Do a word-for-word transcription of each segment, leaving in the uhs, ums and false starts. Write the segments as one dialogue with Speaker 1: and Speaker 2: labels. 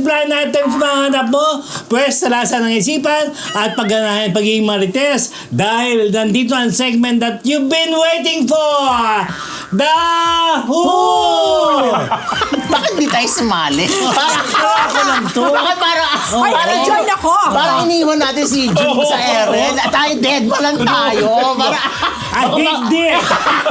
Speaker 1: blind items mga hanap mo? Pwes, talasan ng isipan at pagganahan pagiging marites dahil nandito ang segment that you've been waiting for! The Who!
Speaker 2: Bakit di tayo sumali? Parang
Speaker 1: ako lang to.
Speaker 2: Bakit parang...
Speaker 3: Ay,
Speaker 2: parang-
Speaker 3: join ako.
Speaker 2: Parang iniwan natin si June sa Eren. At tayo dead pa lang tayo. Parang...
Speaker 1: I hate this!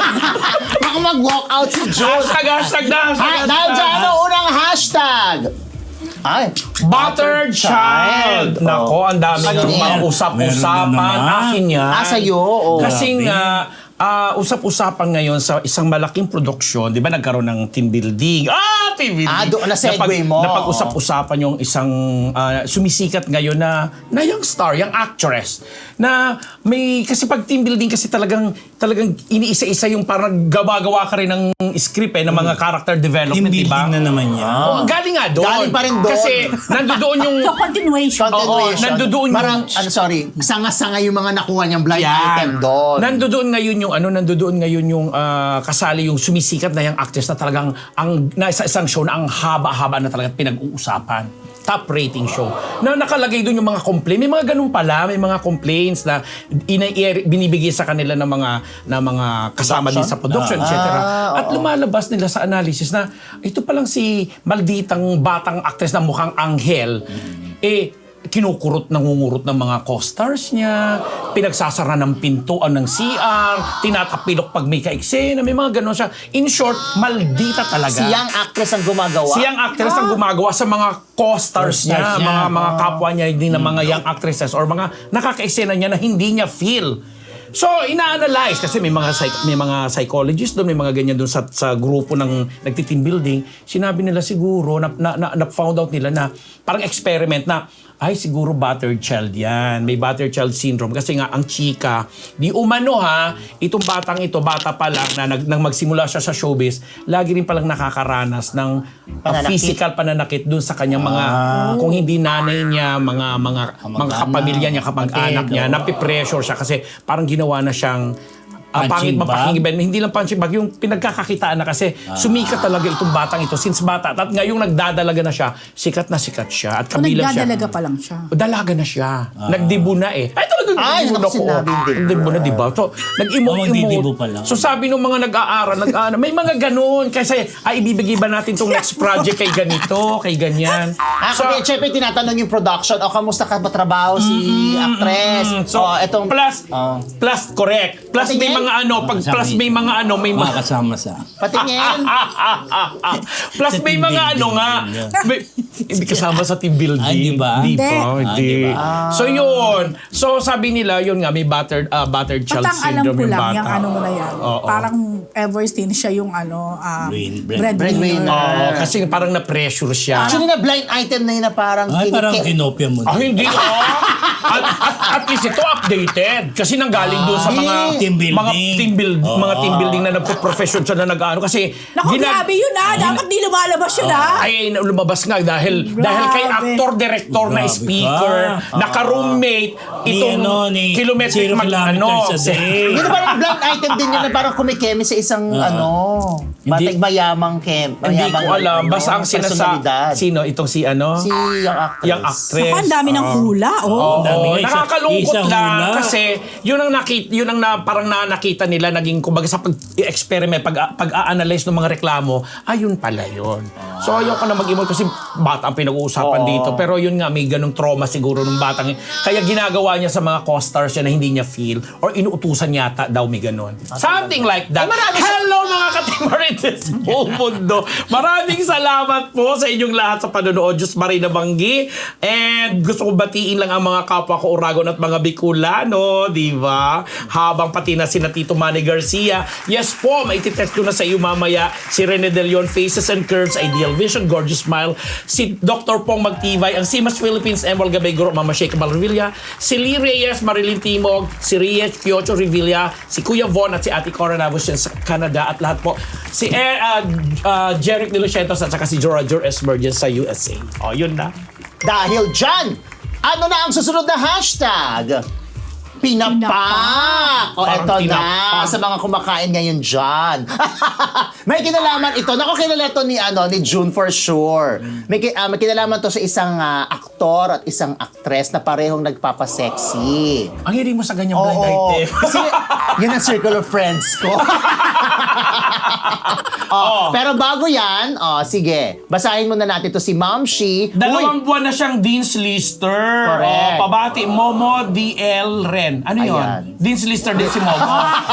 Speaker 2: Baka mag-walk out si June.
Speaker 4: Hashtag, hashtag na, hashtag,
Speaker 2: Ha, dahil dyan, ano, unang hashtag. Ay,
Speaker 4: Buttered Child.
Speaker 2: Oh.
Speaker 4: Nako, ang dami
Speaker 2: Ano
Speaker 4: ng
Speaker 2: yan?
Speaker 4: mga usap-usapan.
Speaker 1: Meron na naman.
Speaker 4: Akin yan.
Speaker 2: Ah, sa'yo, oh.
Speaker 4: Kasi nga, ah, usap-usapan ngayon sa isang malaking produksyon, di ba nagkaroon ng team building? Ah, team building!
Speaker 2: Ah, doon, na-segue
Speaker 4: Napag-
Speaker 2: mo.
Speaker 4: Napag-usap-usapan yung isang ah, sumisikat ngayon na, na young star, young actress, na may, kasi pag team building kasi talagang, talagang iniisa-isa yung parang gawa-gawa ka rin ng script eh, ng mga character
Speaker 1: Team
Speaker 4: development, di ba?
Speaker 1: building na naman yan.
Speaker 4: Oh, galing nga doon.
Speaker 2: Galing pa rin doon.
Speaker 4: Kasi nandoon yung...
Speaker 3: So, continuation.
Speaker 2: Continuation.
Speaker 4: Oo, nandoon
Speaker 2: Parang,
Speaker 4: yung-
Speaker 2: ano, sorry, sanga-sanga yung mga nakuha niyang blind
Speaker 4: Yan.
Speaker 2: item doon.
Speaker 4: Nandoon ngayon yung ano, nandoon ngayon yung ah, kasali yung sumisikat na yung actress na talagang ang nasa isang show na ang haba-haba na talagang pinag-uusapan. Top rating show. Na nakalagay doon yung mga complaint. May mga ganun pala, may mga complaints na ina- i- binibigay sa kanila ng mga na mga kasama din sa production, et cetera.
Speaker 2: Ah,
Speaker 4: At
Speaker 2: oo.
Speaker 4: lumalabas nila sa analysis na ito palang si malditang batang actress na mukhang anghel. Eh kinukurot, nangungurot ng mga co-stars niya, pinagsasara ng pintuan ng C R, tinatapilok pag may ka-eksena, may mga ganon siya. In short, maldita talaga.
Speaker 2: Siyang actress ang gumagawa.
Speaker 4: Siyang actress ang gumagawa sa mga co-stars niya,
Speaker 1: Co-stars niya.
Speaker 4: mga mga kapwa niya din na mga young actresses or mga nakaka-eksena niya na hindi niya feel. So, ina-analyze kasi may mga psych- may mga psychologists doon, may mga ganyan doon sa sa grupo ng nagti-team building. Sinabi nila siguro na na, na, na found out nila na parang experiment na ay siguro battered child yan. May battered child syndrome kasi nga ang chika, di umano ha, itong batang ito, bata pa lang na nag, nang magsimula siya sa showbiz, lagi rin palang nakakaranas ng uh,
Speaker 2: Pananakit.
Speaker 4: physical pananakit doon sa kanyang mga kung hindi nanay niya, mga mga mga kapamilya niya, kapag-anak niya, napipressure siya kasi parang ginawa na siyang ah, pangit
Speaker 1: Punching bag?
Speaker 4: mapakinggan. Hindi lang punching bag, yung pinagkakakitaan na kasi sumikat talaga itong batang ito since bata. At ngayong nagdadalaga na siya, sikat na sikat siya. At
Speaker 3: So,
Speaker 4: kabilang siya.
Speaker 3: nagdadalaga pa lang siya.
Speaker 4: Dalaga na siya. Nagdibo na eh. Ay, talaga
Speaker 2: Ay,
Speaker 4: nagdibo na
Speaker 2: naku,
Speaker 4: ko.
Speaker 2: sinabing dibo.
Speaker 4: Nagdibo na, di ba? So,
Speaker 1: Oh, magdidibo pa
Speaker 4: nag-emote-emote.
Speaker 1: lang.
Speaker 4: So, sabi nung mga nag-aaral, nag-aaral, may mga ganun. Kasi, ay, ibibigay ba natin tong next project kay ganito, kay ganyan.
Speaker 2: Ah,
Speaker 4: So,
Speaker 2: so, syempre tinatanong yung production, o kamusta ka ba trabaho si actress?
Speaker 4: mm, so,
Speaker 2: o, etong,
Speaker 4: plus,
Speaker 2: Oh.
Speaker 4: plus, correct. Plus, may
Speaker 2: Patingin?
Speaker 4: mga ano, pag plus may mga ano, may mga,
Speaker 1: Makakasama sa...
Speaker 2: patingin.
Speaker 4: Plus
Speaker 1: Sa
Speaker 4: may
Speaker 1: team
Speaker 4: mga ano
Speaker 1: building
Speaker 4: nga,
Speaker 1: yun.
Speaker 4: may, hindi kasama sa team building.
Speaker 1: Ah, di ba?
Speaker 4: Di
Speaker 3: Hindi.
Speaker 4: ba?
Speaker 1: Ah,
Speaker 4: Hindi.
Speaker 1: di ba?
Speaker 4: So yun. So sabi nila, yun nga, may battered, uh, battered child
Speaker 3: Patang alam
Speaker 4: syndrome
Speaker 3: ko
Speaker 4: yung
Speaker 3: lang,
Speaker 4: bata.
Speaker 3: yung ano mo na yan.
Speaker 4: Oo.
Speaker 3: Parang ever since siya yung ano, ah,
Speaker 1: Bread- bread-
Speaker 3: breadwinner.
Speaker 2: breadwinner.
Speaker 4: Oo, kasi parang na-pressure siya.
Speaker 2: Actually, na blind item na yun na parang...
Speaker 1: Ay, parang
Speaker 2: kinike-
Speaker 1: kinopia mo.
Speaker 4: Ah, hindi ah. at, at, at least ito updated. Kasi nanggaling doon sa mga
Speaker 1: Team building.
Speaker 4: mga team build,
Speaker 1: Oo.
Speaker 4: mga team building na nagpo-profession siya na nag-ano kasi
Speaker 3: Naku,
Speaker 4: ginag-
Speaker 3: grabe yun ah. Dapat di lumalabas yun ah.
Speaker 4: Ay, lumabas nga dahil
Speaker 3: Grabe.
Speaker 4: dahil kay actor-director na
Speaker 1: Grabe
Speaker 4: speaker,
Speaker 1: ka.
Speaker 4: naka-roommate,
Speaker 1: Ni
Speaker 4: itong
Speaker 1: ano, ni
Speaker 4: kilometric
Speaker 1: zero
Speaker 4: mag, ano,
Speaker 1: kilometers a day.
Speaker 2: Hindi parang blind item din yun na parang kumikeme sa isang ano,
Speaker 4: Hindi-
Speaker 2: batang mayamang kem.
Speaker 4: hindi ko
Speaker 2: mayamang,
Speaker 4: alam.
Speaker 2: ano,
Speaker 4: Basta ang sinasa...
Speaker 2: personalidad.
Speaker 4: Sino? Itong si ano?
Speaker 2: Si yung actress.
Speaker 4: Yung actress.
Speaker 3: Naku, ang dami ng hula. Oh.
Speaker 4: Oo,
Speaker 1: dami nga, isa-
Speaker 4: nakakalungkot
Speaker 1: isa
Speaker 4: lang
Speaker 1: hula.
Speaker 4: kasi yun ang nakita, yun ang na, parang na nakita nila naging kumbaga sa pag-experiment, pag, pag-a-analyze ng mga reklamo, ayun pala yun. So ayoko na mag-emote kasi bata ang pinag-uusapan
Speaker 2: Oo.
Speaker 4: dito. Pero yun nga, may ganong trauma siguro ng batang yun. Kaya ginagawa niya sa mga co-stars niya na hindi niya feel or inuutusan yata daw may ganon. Something like that.
Speaker 2: Ay, marami sa-
Speaker 4: Hello mga katimarites buong mundo. Maraming salamat po sa inyong lahat sa panonood. Diyos Marina Banggi. And gusto ko batiin lang ang mga kapwa ko Uragon at mga Bicolano, di ba? Habang pati na sina Tito Manny Garcia. Yes po, maititext ko na sa iyo mamaya si Rene De Leon, Faces and Curves, Ideal Vision, Gorgeous Smile, si Doctor Pong Magtibay, ang Simas Philippines, Emerald Gabay Guro, Mama Sheikh Malrevilla, si Lee Reyes, Marilyn Timog, si Riech Piocho Revilla, si Kuya Von at si Ate Cora Navos yan sa Canada at lahat po. Si eh, uh, uh, Jeric De Lucientos at saka si Jorajor Esmer dyan sa U S A. O, yun na.
Speaker 2: Dahil dyan, ano na ang susunod na hashtag? Pinapak! O,
Speaker 4: Parang
Speaker 2: eto na.
Speaker 4: tinapak.
Speaker 2: Sa mga kumakain ngayon dyan. May kinalaman ito. Naku, kilala to ni, ano, ni June for sure. May, ki- ah, may kinalaman to sa isang ah, aktor at isang actress na parehong nagpapasexy.
Speaker 4: Ang hiling mo sa ganyang blind
Speaker 2: Oo.
Speaker 4: item.
Speaker 2: Kasi yun ang circle of friends ko. oh, Pero bago yan, oh, sige, basahin muna natin to si Ma'am Shi.
Speaker 4: Dalawang buwan na siyang Dean's Lister.
Speaker 2: Correct.
Speaker 4: O, pabati, Momo D L Ren. Ano yun?
Speaker 2: Ayan.
Speaker 4: Dean's Lister din si Momo.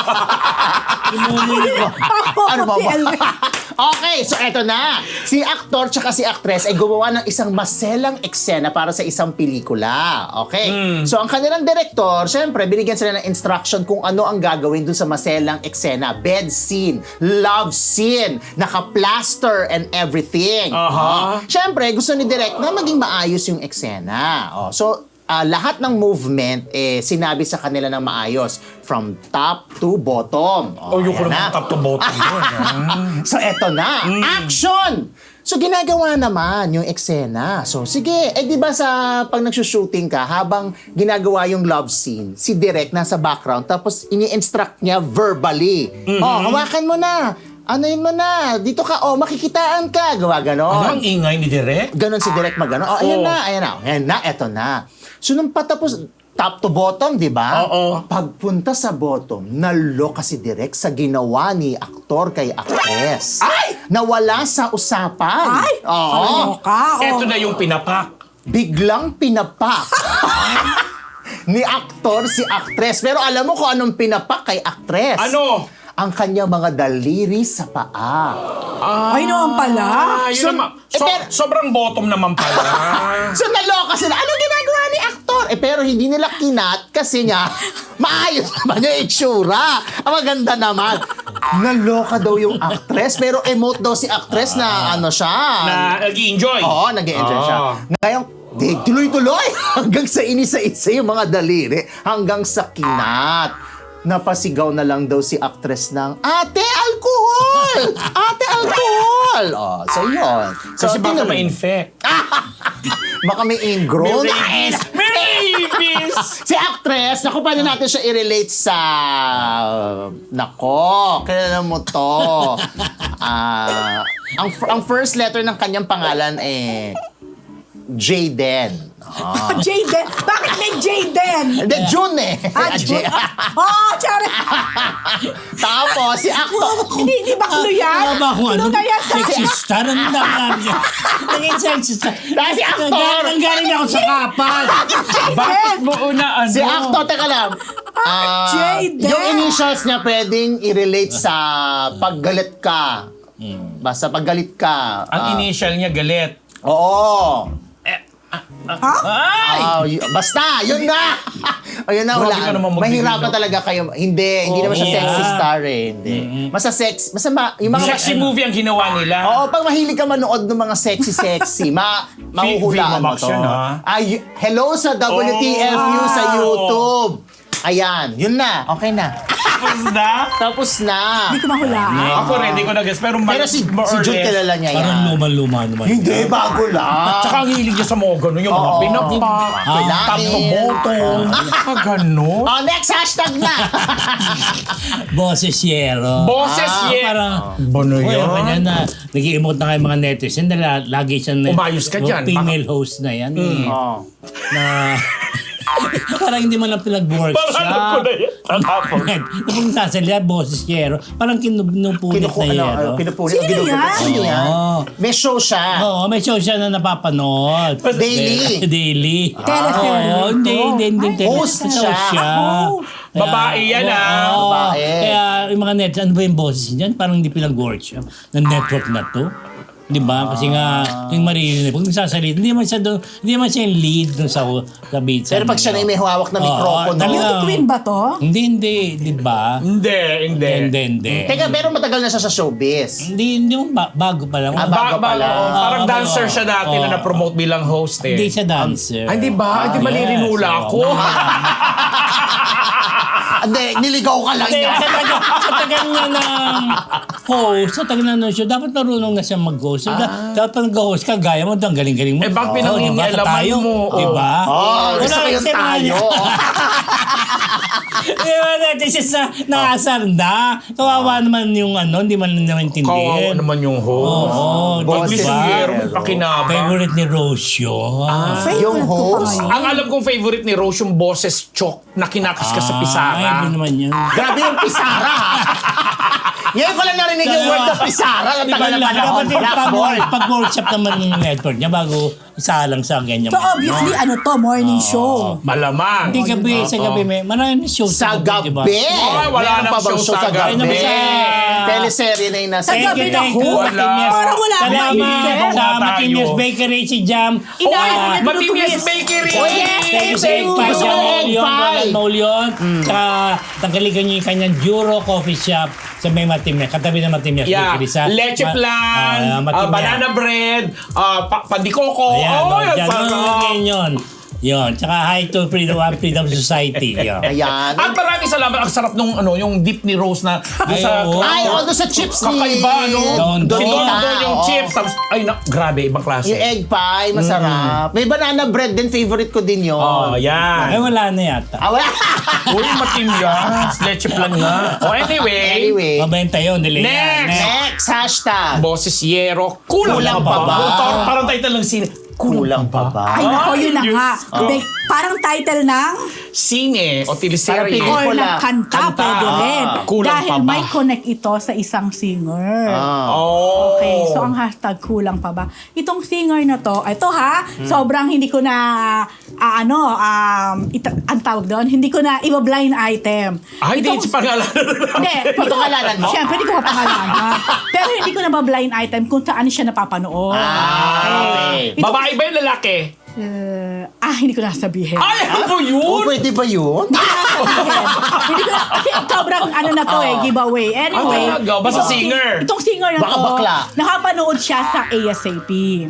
Speaker 2: Ano ba ba? Okay, so eto na. Si aktor tsaka si actress ay gumawa ng isang maselang eksena para sa isang pelikula. Okay? So ang kanilang director, syempre, binigyan sila ng instruction kung ano ang gagawin dun sa maselang eksena. Bed scene, love scene, naka-plaster and everything.
Speaker 4: Aha.
Speaker 2: Oh. Syempre, gusto ni direct na maging maayos yung eksena. Oh, so, Ah, lahat ng movement eh sinabi sa kanila ng maayos from top to bottom.
Speaker 4: Oh, yung
Speaker 2: ayan
Speaker 4: ko
Speaker 2: na.
Speaker 4: naman top to bottom yun. ah.
Speaker 2: So eto na, action! So ginagawa naman yung eksena. So sige, eh di ba sa pag nagsushooting ka habang ginagawa yung love scene, si Direk nasa background tapos ini-instruct niya verbally. Oh, hawakan mo na. Ano yun mo na? Dito ka, oh, makikitaan ka. Gawa ganon.
Speaker 4: Ano ang ingay ni Direk?
Speaker 2: Ganon si Direk magano. Oh, ayan
Speaker 4: Oo.
Speaker 2: na, ayan na. Ayan na, eto na. So nung patapos, top to bottom, di ba?
Speaker 4: Oo.
Speaker 2: Pagpunta sa bottom, naloka si Direk sa ginawa ni aktor kay actress.
Speaker 4: Ay!
Speaker 2: Nawala sa usapan.
Speaker 3: Ay!
Speaker 2: Oo.
Speaker 3: Kaloka, oh.
Speaker 4: Eto na yung pinapak.
Speaker 2: Biglang pinapak. ni aktor si actress. Pero alam mo kung anong pinapak kay actress?
Speaker 4: Ano?
Speaker 2: Ang kanyang mga daliri sa paa.
Speaker 3: Ay, naman pala.
Speaker 4: Ah, yun
Speaker 2: So,
Speaker 4: naman.
Speaker 2: eh,
Speaker 4: So,
Speaker 2: pero-
Speaker 4: sobrang bottom naman pala.
Speaker 2: So naloka sila. Anong ginagawa ni aktor? Eh pero hindi nila kinat kasi nga maayos naman yung itsura. Ang maganda naman. Naloka daw yung actress pero emote daw si actress na ano siya.
Speaker 4: na nag-enjoy.
Speaker 2: Oo, nag-enjoy siya.
Speaker 4: Ah.
Speaker 2: Ngayon, di, tuloy-tuloy hanggang sa inisa-isa yung mga daliri hanggang sa kinat. Napasigaw na lang daw si actress ng, Ate, alcohol! Ate, alcohol! Oh, so yun. So,
Speaker 4: Kasi baka
Speaker 2: tingnan mo.
Speaker 4: ma-infect.
Speaker 2: Baka may ingrown.
Speaker 4: May rabies. May rabies!
Speaker 2: Si actress, naku, paano natin siya i-relate sa... Nako, kilala mo to. Ah, ang, ang first letter ng kanyang pangalan eh... Jayden.
Speaker 3: Ah, Jayden. Bakit may Jayden?
Speaker 2: Hindi, June eh.
Speaker 3: Ah, June. Oh, tsara.
Speaker 2: Tapos, si actor...
Speaker 3: Hindi, hindi ba clue yan?
Speaker 1: Ano ba kung ano?
Speaker 3: Clue na yan sa...
Speaker 1: Sexista? Ano na namin yan? Naging sexista.
Speaker 2: Dahil si actor!
Speaker 1: Nanggaling ako sa kapal.
Speaker 4: Bakit mo una ano?
Speaker 2: Si actor, teka lang. Ah,
Speaker 3: Jayden.
Speaker 2: yung initials niya pwedeng i-relate sa paggalit ka. Basta paggalit ka.
Speaker 4: Ang
Speaker 2: ah,
Speaker 4: initial niya galit.
Speaker 2: Oo.
Speaker 4: Ay!
Speaker 2: Ah, y- basta, yun na! Ayun na,
Speaker 4: Grabe
Speaker 2: wala.
Speaker 4: ka naman magbibigay
Speaker 2: Mahirapan
Speaker 4: ng-
Speaker 2: talaga kayo. Hindi, hindi naman siya
Speaker 1: yeah.
Speaker 2: sexy star eh. Hindi. Basta sex, basta ma, yung mga...
Speaker 4: Sexy movie ang ginawa nila.
Speaker 2: Oo, pag mahilig ka manood ng mga sexy-sexy, ma, mahuhulaan mo
Speaker 4: Max
Speaker 2: to.
Speaker 4: yun, ha?
Speaker 2: Ay, hello sa W T F U sa
Speaker 4: Oh.
Speaker 2: YouTube. Ayan, yun na. Okay na.
Speaker 4: Tapos na?
Speaker 2: Tapos na.
Speaker 3: Hindi ko mahulaan.
Speaker 4: Ako rin, hindi ko nag-guess. Pero, ma-
Speaker 2: Pero si,
Speaker 4: more
Speaker 2: si
Speaker 4: or
Speaker 2: Jude
Speaker 4: less.
Speaker 2: kilala niya yan.
Speaker 1: Parang luma-luma naman.
Speaker 2: Hindi, bago lang.
Speaker 4: Tsaka ang hilig niya sa mga ganun, yung mga
Speaker 2: Oo.
Speaker 4: pinapak,
Speaker 2: Kailangan.
Speaker 4: top to bottom. Ah, ganun.
Speaker 2: Oh, next hashtag na.
Speaker 1: Boses yero.
Speaker 4: Boses
Speaker 2: Ah,
Speaker 4: yet.
Speaker 1: Parang,
Speaker 4: Bono
Speaker 1: Uy,
Speaker 4: yun.
Speaker 1: ako na na, nag-i-emote na kayo mga netizen na la- lagi siya na,
Speaker 4: Umayos ka dyan.
Speaker 1: female host na yan. eh,
Speaker 2: Oh.
Speaker 1: na, parang hindi mo lang pinag-work
Speaker 4: Parang
Speaker 1: siya.
Speaker 4: alam ko na yan. Tapos.
Speaker 1: Kung sasalya, boses yero, parang kinupulit
Speaker 2: Kinuku,
Speaker 1: na
Speaker 2: ano,
Speaker 1: yero.
Speaker 2: ano, pinupulit.
Speaker 3: Sino
Speaker 2: ginugulo.
Speaker 3: yan?
Speaker 2: Sino yan?
Speaker 1: Oo.
Speaker 2: May show siya.
Speaker 1: Oo, may show siya na napapanood.
Speaker 2: Daily?
Speaker 1: Daily.
Speaker 3: Telefilm
Speaker 1: Oo, hindi, hindi, hindi.
Speaker 3: Ay,
Speaker 2: host
Speaker 1: Show
Speaker 2: siya.
Speaker 3: Oh.
Speaker 4: Babae yan, ah.
Speaker 1: oo.
Speaker 2: Babae.
Speaker 1: Kaya yung mga net, ano ba yung boses niyan? Parang hindi pinag-work siya. Ng network na to. Di ba? Kasi nga, yung maririnig. Pag nagsasalita, hindi man siya doon, hindi man siya yung lead doon sa, sa beat.
Speaker 2: Pero pag siya na yung may hawak na
Speaker 1: Oo,
Speaker 2: mikropono.
Speaker 1: talaga.
Speaker 3: Beauty queen ba to?
Speaker 1: Hindi, hindi. Di ba?
Speaker 4: Hindi, hindi.
Speaker 1: Hindi, hindi.
Speaker 2: Teka, pero matagal na siya sa showbiz.
Speaker 1: Hindi, hindi mo ba, bago pa lang.
Speaker 2: Ah,
Speaker 4: Ba-
Speaker 2: bago pala.
Speaker 4: ba- oh, parang
Speaker 1: Oo,
Speaker 4: dancer
Speaker 1: oo,
Speaker 4: siya dati
Speaker 1: oo.
Speaker 4: na na-promote bilang host eh.
Speaker 1: Hindi siya dancer.
Speaker 4: Ay, di ba? Ay, di
Speaker 1: Yes,
Speaker 4: malirinula
Speaker 1: oo.
Speaker 4: ako.
Speaker 2: Hindi, niligaw ka lang
Speaker 1: Hindi,
Speaker 2: niya.
Speaker 1: sa taga, sa taga niya ng host, sa taga na show, dapat marunong na siya mag-host. So, da- dapat pag nag-host ka, gaya mo, ang galing-galing mo.
Speaker 4: Eh, bakit
Speaker 1: Oo, diba?
Speaker 4: pinangingialaman
Speaker 1: Tayo,
Speaker 4: mo?
Speaker 1: Diba?
Speaker 2: Oh, gusto
Speaker 1: Wala,
Speaker 2: ko yung
Speaker 1: kasi mga-
Speaker 2: tayo.
Speaker 1: Diba, natin siya sa naasar na. Kawawa naman yung ano, hindi man naman
Speaker 4: Kawawa
Speaker 1: intindihin.
Speaker 4: naman yung host.
Speaker 1: Oo,
Speaker 2: Boses
Speaker 1: diba?
Speaker 4: Pero may pakinabang.
Speaker 1: Favorite ni Rose yun.
Speaker 3: Favorite
Speaker 2: Yung
Speaker 3: ko pa
Speaker 2: host?
Speaker 3: ngayon.
Speaker 4: Ang alam kong favorite ni Rose yung boses chok na kinakas ka sa
Speaker 1: Ay,
Speaker 4: pisara.
Speaker 1: iba naman yun.
Speaker 2: Grabe yung pisara, ha? Ngayon ko lang narinig yung word na pisara. Ang
Speaker 1: Di ba
Speaker 2: tagal na
Speaker 1: lang,
Speaker 2: panahon.
Speaker 1: dapat yung
Speaker 2: Black
Speaker 1: pag,
Speaker 2: ball.
Speaker 1: pag workshop naman ng network niya bago isalang sa ganyan.
Speaker 3: So obviously, ano to, morning show.
Speaker 4: Malamang.
Speaker 1: Hindi gabi, sa gabi may maraming show
Speaker 2: Sa
Speaker 1: gabi,
Speaker 2: gabi.
Speaker 1: diba?
Speaker 4: Ay, wala
Speaker 2: Meron
Speaker 4: nang
Speaker 2: pa bang
Speaker 4: show sa gabi.
Speaker 1: Ay, naman sa-
Speaker 2: Teleserye na yung nasa...
Speaker 3: Sa gabi na ho.
Speaker 4: Wala.
Speaker 3: Parang wala akong
Speaker 1: Salamat
Speaker 3: maintindihan.
Speaker 1: sa
Speaker 4: Tayo.
Speaker 1: Matimius Bakery, si Jam.
Speaker 3: Ina-
Speaker 1: Ah,
Speaker 4: Matimias Bakery!
Speaker 3: Oh, yes,
Speaker 1: Thank you sa
Speaker 3: thank
Speaker 1: egg
Speaker 3: you.
Speaker 1: pie.
Speaker 2: Gusto ko
Speaker 1: Jam
Speaker 2: egg
Speaker 1: Maulion,
Speaker 2: pie.
Speaker 1: Ronald Maulion. Tsaka tanggalin niyo yung kanyang Juro Coffee Shop sa may Matimias. Katabi ng Matimias
Speaker 4: Yeah,
Speaker 1: Bakery sa...
Speaker 4: leche
Speaker 1: Ma-
Speaker 4: plan,
Speaker 1: ah,
Speaker 4: uh,
Speaker 1: Matimias.
Speaker 4: banana bread, uh, pa- pandikoko.
Speaker 1: Ayan,
Speaker 4: Oh,
Speaker 1: oh,
Speaker 4: yan,
Speaker 1: dyan,
Speaker 4: sarap.
Speaker 1: yun, yun. Yun, tsaka hi to Freedom One Freedom Society. Yun.
Speaker 2: Ayan.
Speaker 4: At maraming salamat. Ang sarap nung ano, yung dip ni Rose na doon
Speaker 1: Ay,
Speaker 4: sa...
Speaker 1: oo.
Speaker 2: Ay, oh, doon sa chips ni...
Speaker 4: Kakaiba, no?
Speaker 1: Don Don.
Speaker 4: Si Don Don yung
Speaker 2: Oo.
Speaker 4: chips. Tapos, ay, na, grabe, ibang klase.
Speaker 2: Yung egg pie, masarap. May banana bread din, favorite ko din yun.
Speaker 4: Oh,
Speaker 1: Ay,
Speaker 4: yan.
Speaker 1: wala na yata.
Speaker 2: Ah, wala.
Speaker 4: Uy, matimyas. Leche plan nga. Oh, anyway.
Speaker 2: Anyway.
Speaker 1: Mabenta yun, nila yan.
Speaker 4: Next!
Speaker 2: Next, hashtag.
Speaker 4: Boses Yero. Kulang,
Speaker 2: Kulang
Speaker 4: pa
Speaker 2: pa
Speaker 4: ba?
Speaker 2: ba?
Speaker 4: Parang, parang title ng sine.
Speaker 2: Kulang pa ba?
Speaker 3: Ay, nako, yun na
Speaker 4: Ay,
Speaker 3: nga.
Speaker 4: Diyos ko.
Speaker 3: May- Parang title ng
Speaker 4: Sine o
Speaker 2: Parang
Speaker 4: teleserye.
Speaker 2: pelikula.
Speaker 3: or
Speaker 2: Wala.
Speaker 3: ng kanta,
Speaker 4: Kanta.
Speaker 3: pwede rin.
Speaker 4: Ah, kulang
Speaker 3: Dahil
Speaker 4: pa ba?
Speaker 3: may connect ito sa isang singer.
Speaker 2: Ah.
Speaker 4: Oh.
Speaker 3: Okay, so ang hashtag kulang pa ba? Itong singer na to, ito ha,
Speaker 4: Hmm.
Speaker 3: sobrang hindi ko na, ah, ano, um, ita- ang tawag doon, hindi ko na iba-blind item.
Speaker 4: Ay, di,
Speaker 3: Itong-
Speaker 4: pangalan.
Speaker 3: Hindi.
Speaker 2: Pagkakalanan mo?
Speaker 3: Siyempre, hindi ko mapangalanan. Pero hindi ko na ba-blind item kung saan siya napapanood.
Speaker 2: Ah, okay.
Speaker 3: Itong-
Speaker 4: Babae ba yung lalaki?
Speaker 3: Eh, ah, hindi ko na sabihin.
Speaker 4: Ay, ano
Speaker 2: Oh,
Speaker 4: yun?
Speaker 2: pwede ba yun?
Speaker 3: Hindi ko na, kasi sobrang ano na to eh, giveaway. Anyway.
Speaker 4: Ah, talaga? Basta
Speaker 3: itong-
Speaker 4: singer?
Speaker 3: Itong singer na
Speaker 2: Baka
Speaker 3: to,
Speaker 2: bakla.
Speaker 3: nakapanood siya sa A S A P.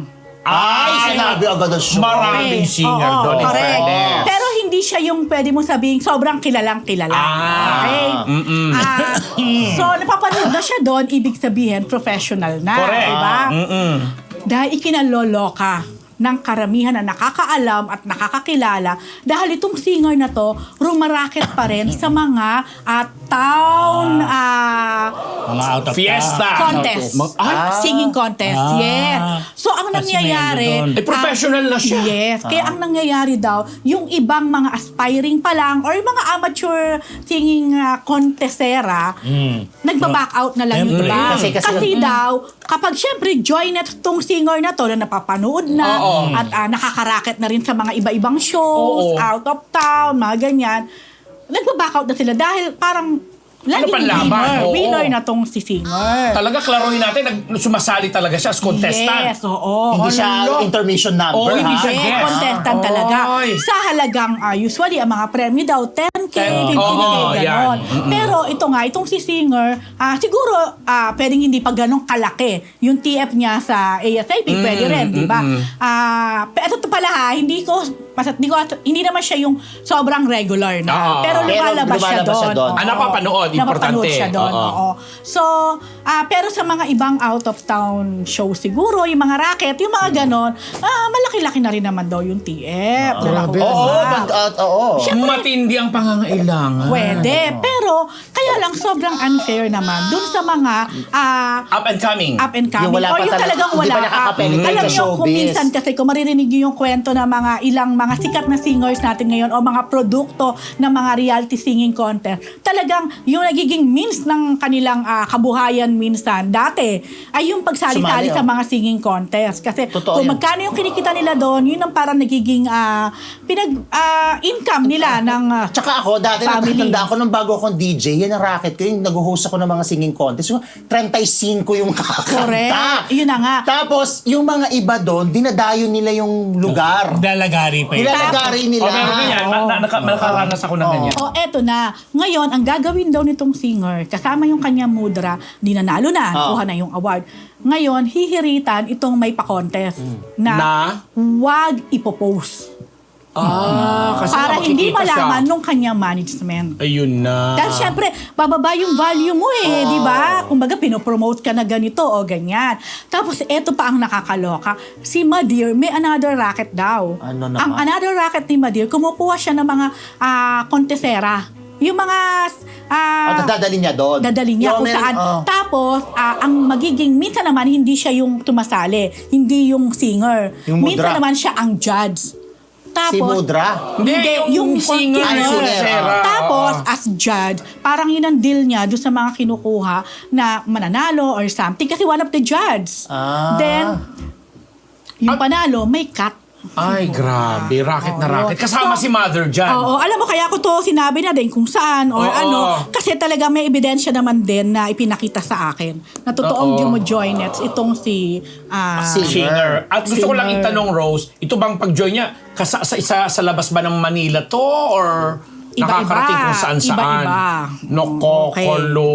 Speaker 2: Ay, sinabi agad ang show.
Speaker 4: Maraming
Speaker 3: Okay.
Speaker 4: singer
Speaker 3: Oo,
Speaker 4: doon. in
Speaker 3: correct.
Speaker 4: fairness.
Speaker 3: Pero hindi siya yung pwede mo sabihin sobrang kilalang kilala.
Speaker 4: Ah,
Speaker 3: Okay?
Speaker 4: mm-mm.
Speaker 3: Ah, so, napapanood na siya doon, ibig sabihin professional na.
Speaker 4: Correct.
Speaker 3: Diba?
Speaker 4: Mm-mm.
Speaker 3: Dahil ikinaloloka ng karamihan na nakakaalam at nakakakilala dahil itong singer na to rumaraket pa rin sa mga ah, town ah,
Speaker 1: Mga out of
Speaker 4: Fiesta.
Speaker 3: contest.
Speaker 4: Mag- Ay,
Speaker 3: Singing contest,
Speaker 1: Ah.
Speaker 3: yes. So, ang
Speaker 1: Kasi
Speaker 3: nangyayari...
Speaker 1: may ano
Speaker 4: Eh, professional na siya.
Speaker 3: Yes. Kaya ang nangyayari daw, yung ibang mga aspiring pa lang or yung mga amateur singing uh, contestera,
Speaker 1: Mm.
Speaker 3: nagba-back out na lang yung
Speaker 1: Siyempre.
Speaker 3: iba.
Speaker 2: Kasi- kasi-
Speaker 3: daw, kapag syempre join na tong singer na to na napapanood na
Speaker 4: Oo.
Speaker 3: at ah, nakakaraket na rin sa mga iba-ibang shows,
Speaker 4: Oo.
Speaker 3: out of town, mga ganyan, nagba-back out na sila dahil parang lagi
Speaker 4: panlaban?
Speaker 3: winner.
Speaker 4: Oo.
Speaker 3: Winner na tong si singer.
Speaker 4: Talaga, klaruhin natin, nag, sumasali talaga siya as contestant.
Speaker 3: Yes, oo.
Speaker 2: Hindi siya
Speaker 4: Hello.
Speaker 2: intermission number,
Speaker 4: Oh, hindi
Speaker 2: ha?
Speaker 4: siya
Speaker 3: Eh,
Speaker 4: guest.
Speaker 3: contestant talaga.
Speaker 4: Oy.
Speaker 3: Sa halagang, ah, usually, ang mga premyo daw, ten K, fifteen K,
Speaker 4: Oo,
Speaker 3: gano'n.
Speaker 4: yan. Mm-mm.
Speaker 3: Pero ito nga, itong si singer, ah, siguro, ah, pwedeng hindi pa ganong kalaki. Yung T F niya sa A S A P, pwede rin, di ba? Ah, pero ito pala ha, hindi ko, pasat, hindi, ko, hindi naman siya yung sobrang regular na.
Speaker 4: Oo.
Speaker 3: pero
Speaker 2: Pero
Speaker 3: lumalabas siya
Speaker 2: lumalabas siya
Speaker 3: doon.
Speaker 2: doon.
Speaker 3: Oo.
Speaker 4: Ah, napapanood,
Speaker 3: Napapanood
Speaker 4: importante.
Speaker 3: siya doon,
Speaker 4: Oo.
Speaker 3: oo. So, ah, pero sa mga ibang out-of-town show siguro, yung mga racket, yung mga ganon, ah, malaki-laki na rin naman daw yung T F. na
Speaker 2: Grabe.
Speaker 3: nakukuha.
Speaker 2: Oo, bag out, oo.
Speaker 4: Matindi ang pangangailangan.
Speaker 3: Pwede. Pero, kaya lang sobrang unfair naman dun sa mga ah,
Speaker 4: Up and coming.
Speaker 3: up and coming.
Speaker 2: Yung wala
Speaker 3: or
Speaker 2: pa
Speaker 3: yung
Speaker 2: talaga-
Speaker 3: talagang
Speaker 2: hindi
Speaker 3: wala
Speaker 2: pa nakaka-penetrate
Speaker 3: Alam
Speaker 2: sa
Speaker 3: niyo, kung
Speaker 2: showbiz.
Speaker 3: minsan kasi kung maririnig niyo yung kwento ng mga ilang mga sikat na singers natin ngayon o mga produkto ng mga reality singing contest, talagang yung nagiging means ng kanilang ah, kabuhayan minsan dati ay yung pagsali-sali
Speaker 2: Sumali,
Speaker 3: sa
Speaker 2: oh.
Speaker 3: mga singing contest. Kasi
Speaker 2: Totoo
Speaker 3: kung
Speaker 2: yan.
Speaker 3: magkano yung kinikita nila doon, yun ang parang nagiging ah, pinag ah, income nila ng ah,
Speaker 2: Tsaka ako, dati
Speaker 3: Family.
Speaker 2: nakatanda ako nung bago akong D J, yan ang racket ko, yung nag-host ako ng mga singing contest. Yung thirty-five yung kakanta.
Speaker 3: correct. Yun na nga.
Speaker 2: Tapos, yung mga iba doon, dinadayo nila yung lugar.
Speaker 1: Lalagari pa yun.
Speaker 2: Nilalagari nila.
Speaker 4: Oh, meron ganyan. Ma- na- naka- nakaranas ako ng ganyan.
Speaker 3: O eto na, ngayon, ang gagawin daw nitong singer, kasama yung kanyang mudra, di nanalo na,
Speaker 2: Oh.
Speaker 3: kuha na yung award. Ngayon, hihiritan itong may pa-contest na,
Speaker 4: Na?
Speaker 3: wag ipopost
Speaker 4: Ah, kasi
Speaker 3: Para
Speaker 4: nga
Speaker 3: hindi
Speaker 4: makikita siya.
Speaker 3: malaman nung kanyang management.
Speaker 4: Ayun na.
Speaker 3: Dahil syempre, bababa yung value mo eh, di ba? Kumbaga, pinopromote ka na ganito o ganyan. Tapos, eto pa ang nakakaloka. Si Madir, may another racket daw.
Speaker 2: Ano naman?
Speaker 3: Ang another racket ni Madir, kumukuha siya ng mga ah, kontesera. Yung mga... ah,
Speaker 2: At dadali niya doon.
Speaker 3: dadali
Speaker 2: Yung
Speaker 3: niya kung
Speaker 2: meron-
Speaker 3: saan.
Speaker 2: oh.
Speaker 3: Tapos, ah, ang magiging, minsan naman, hindi siya yung tumasali. Hindi yung singer.
Speaker 2: Yung
Speaker 3: minsan
Speaker 2: mudra.
Speaker 3: naman siya ang judge.
Speaker 2: Si
Speaker 3: Tapos,
Speaker 2: Mudra.
Speaker 4: Hindi, yung, singer.
Speaker 2: Ay,
Speaker 3: continuous.
Speaker 2: singer.
Speaker 4: Sarah.
Speaker 3: Tapos, as judge, parang yun ang deal niya doon sa mga kinukuha na mananalo or something. Kasi one of the judge.
Speaker 2: Ah.
Speaker 3: Then, yung panalo, may cut.
Speaker 4: Ay, grabe. Racket na
Speaker 3: Oo.
Speaker 4: racket. Kasama
Speaker 3: So,
Speaker 4: si Mother dyan.
Speaker 3: Oo, alam mo, kaya ko to sinabi na din kung saan or
Speaker 4: Oo.
Speaker 3: ano. Kasi talaga may ebidensya naman din na ipinakita sa akin na totoong
Speaker 4: Oo.
Speaker 3: Jumo-join it. Itong si... ah,
Speaker 2: Si-
Speaker 4: Singer. At gusto ko lang
Speaker 3: Singer.
Speaker 4: itanong, Rose, ito bang pag-join niya, kasa, sa, isa, sa labas ba ng Manila to? Or
Speaker 3: Iba-iba.
Speaker 4: nakakarating kung saan-saan?
Speaker 3: Iba-iba.
Speaker 4: Noko,
Speaker 3: Okay.
Speaker 4: kolo.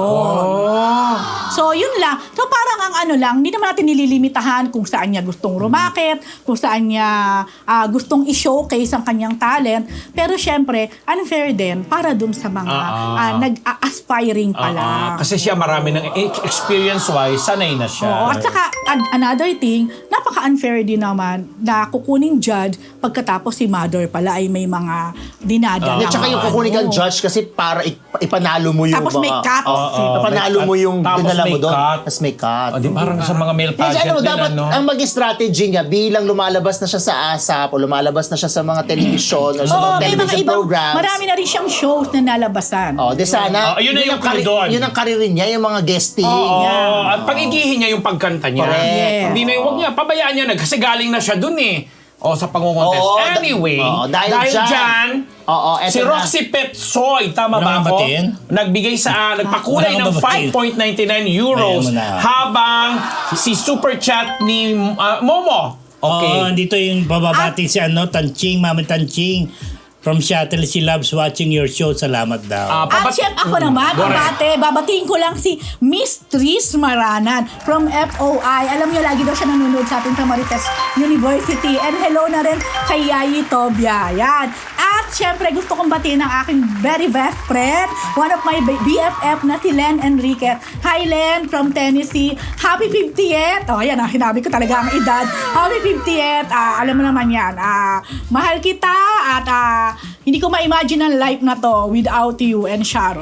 Speaker 3: Yun. So, yun lang. So, parang ang ano lang, hindi naman natin nililimitahan kung saan niya gustong rumakit, kung saan niya ah, gustong i-showcase ang kanyang talent. Pero syempre, unfair din para dun sa mga
Speaker 4: Ah,
Speaker 3: ah, nag-aspiring pa lang.
Speaker 4: Ah, kasi siya marami ng e- experience-wise, sanay na siya.
Speaker 3: Oo, at saka an- another thing, napaka-unfair din naman na kukuning judge pagkatapos si mother pala ay may mga dinadala.
Speaker 2: At saka yung kukunin kang judge kasi para ip- ipanalo mo yung
Speaker 3: Tapos may
Speaker 2: mga...
Speaker 3: cut.
Speaker 2: Oo, oo. Ipanalo mo yung
Speaker 4: Tapos
Speaker 2: dinala mo
Speaker 4: may
Speaker 2: doon.
Speaker 4: cut.
Speaker 2: Tapos may cut.
Speaker 4: O, di parang sa mga male
Speaker 2: Kasi
Speaker 4: pageant
Speaker 2: ano,
Speaker 4: nila,
Speaker 2: dapat
Speaker 4: no?
Speaker 2: ang maging strategy niya bilang lumalabas na siya sa ASAP o lumalabas na siya sa mga television o sa
Speaker 3: Oo,
Speaker 2: mga
Speaker 3: may mga
Speaker 2: television
Speaker 3: ibang,
Speaker 2: programs.
Speaker 3: marami na rin siyang shows na nalabasan.
Speaker 2: Oh, di sana.
Speaker 4: Oh, yun na yung
Speaker 2: ang kari-
Speaker 4: doon.
Speaker 2: Yun ang karir niya, yung mga guesting.
Speaker 4: Oo,
Speaker 3: Yeah.
Speaker 4: at pagigihin niya yung pagkanta niya.
Speaker 2: Correct.
Speaker 3: Yes.
Speaker 4: Hindi na yung, wag niya, pabayaan niya na kasi galing na siya dun eh. O, sa pangungontest.
Speaker 2: Oo, da-
Speaker 4: Anyway,
Speaker 2: oo, dahil
Speaker 4: dahil,
Speaker 2: dyan.
Speaker 4: dyan,
Speaker 2: Oo, eto
Speaker 4: si
Speaker 2: na.
Speaker 4: Roxy Petsoy, tama
Speaker 1: Wala
Speaker 4: ba
Speaker 1: kang
Speaker 4: ako?
Speaker 1: batiin?
Speaker 4: Nagbigay sa, ah, nagpakulay
Speaker 1: Wala kang
Speaker 4: ng
Speaker 1: babatiin.
Speaker 4: five point nine nine euros
Speaker 1: Ayan mo na.
Speaker 4: habang si super chat ni ah, Momo. Okay.
Speaker 1: Oo, dito yung bababati si ano, Tanching, Mama Tanching. From Shuttle, she loves watching your show. Salamat daw.
Speaker 4: Ah,
Speaker 3: At
Speaker 4: pabat-
Speaker 3: syempre ako naman,
Speaker 4: Correct.
Speaker 3: babate, babatiin ko lang si Miss Tris Maranan from F O I. Alam niyo, lagi daw siya nanonood sa atin sa Marites University. And hello na rin kay Yayi Tobia. Yan. At syempre, gusto kong batiin ang aking very best friend, one of my B F F na si Len Enriquez. Hi Len from Tennessee. Happy fiftieth. Oh, yan ah, hinabi ko talaga ang edad. Happy fiftieth. Ah, alam mo naman yan. Ah, mahal kita at ah, hindi ko ma-imagine ang life na to without you and Sharon.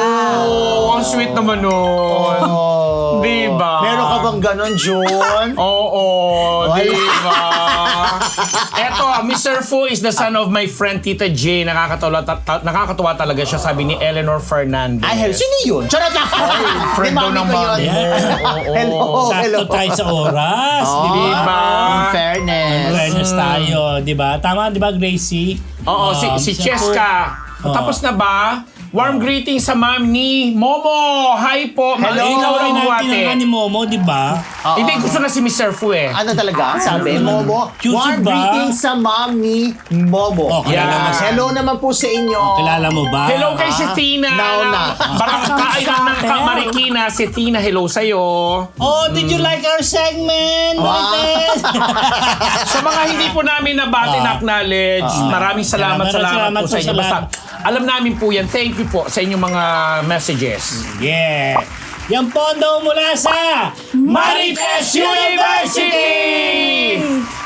Speaker 4: Oh, ang sweet naman nun.
Speaker 2: Oh.
Speaker 4: Di ba?
Speaker 2: Meron ka bang ganon, June?
Speaker 4: Oo,
Speaker 2: Wala.
Speaker 4: di ba? Eto, Mister Fu is the son of my friend Tita J. Nakakatawa, ta- ta- nakakatuwa talaga siya, sabi ni Eleanor Fernandez.
Speaker 2: Ay, hello. Sino yun? Charot lang.
Speaker 4: friend
Speaker 2: Di,
Speaker 4: daw
Speaker 2: mami
Speaker 4: ng
Speaker 2: ko
Speaker 4: mami
Speaker 2: yun.
Speaker 4: mo. Oo.
Speaker 2: Hello.
Speaker 1: Sakto
Speaker 2: hello.
Speaker 1: tayo sa oras.
Speaker 2: Oh,
Speaker 1: Di ba?
Speaker 4: Diba?
Speaker 2: In fairness.
Speaker 1: Awareness tayo, di ba? Tama, di ba, Gracie?
Speaker 4: Oo, si,
Speaker 1: Um,
Speaker 4: si
Speaker 1: siya
Speaker 4: Cheska.
Speaker 1: po.
Speaker 4: Tapos na ba? Warm greeting sa ma'am ni Momo. Hi po. Ma-
Speaker 2: Hello.
Speaker 4: Ikaw
Speaker 1: Ikaw
Speaker 4: lang
Speaker 1: rin
Speaker 4: buwate.
Speaker 1: natin ang ni Momo, di ba?
Speaker 2: Oo.
Speaker 4: Hindi, gusto na si Mister Fu eh.
Speaker 2: Ano talaga? Sabi, Momo.
Speaker 1: Cute
Speaker 2: Warm
Speaker 1: ba?
Speaker 2: greetings sa mom ni Momo.
Speaker 1: Oh, kilala
Speaker 4: mo siya.
Speaker 2: Hello naman po sa inyo.
Speaker 1: Kilala mo ba?
Speaker 4: Hello kay si Tina.
Speaker 2: Now na.
Speaker 4: Barangay ng Kamarikina. Si Tina, hello sa'yo.
Speaker 1: Oh, did you like our segment?
Speaker 2: Wow.
Speaker 1: Marites?
Speaker 4: Sa mga hindi po namin nabati
Speaker 1: Ah.
Speaker 4: na acknowledge, maraming salamat,
Speaker 1: Maraming
Speaker 4: salamat,
Speaker 1: salamat
Speaker 4: po
Speaker 1: po
Speaker 4: sa inyo.
Speaker 1: sa
Speaker 4: Basta,
Speaker 1: lahat.
Speaker 4: alam namin po yan. Thank you po sa inyong mga messages.
Speaker 1: Yeah. Yan po ang daw mula sa
Speaker 4: Marites University!